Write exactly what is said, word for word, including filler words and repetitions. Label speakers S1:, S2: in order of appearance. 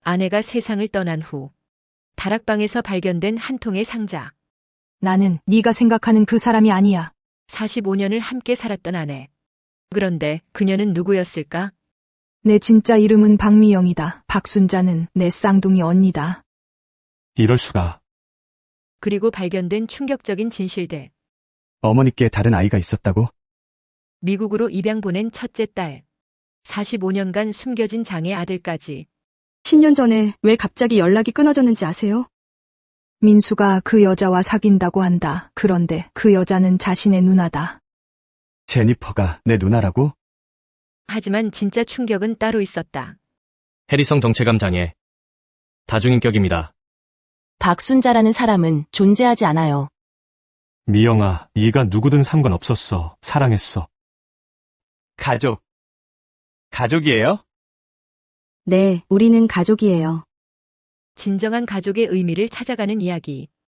S1: 아내가 세상을 떠난 후 다락방에서 발견된 한 통의 상자.
S2: 나는 네가 생각하는 그 사람이 아니야.
S1: 사십오 년을 함께 살았던 아내. 그런데 그녀는 누구였을까?
S2: 내 진짜 이름은 박미영이다. 박순자는 내 쌍둥이 언니다.
S3: 이럴 수가.
S1: 그리고 발견된 충격적인 진실들.
S3: 어머니께 다른 아이가 있었다고?
S1: 미국으로 입양 보낸 첫째 딸. 사십오 년간 숨겨진 장애 아들까지.
S4: 십 년 전에 왜 갑자기 연락이 끊어졌는지 아세요?
S2: 민수가 그 여자와 사귄다고 한다. 그런데 그 여자는 자신의 누나다.
S3: 제니퍼가 내 누나라고?
S1: 하지만 진짜 충격은 따로 있었다.
S5: 해리성 정체감 장애. 다중인격입니다.
S6: 박순자라는 사람은 존재하지 않아요.
S3: 미영아, 네가 누구든 상관없었어. 사랑했어. 가족. 가족이에요?
S4: 네, 우리는 가족이에요.
S1: 진정한 가족의 의미를 찾아가는 이야기.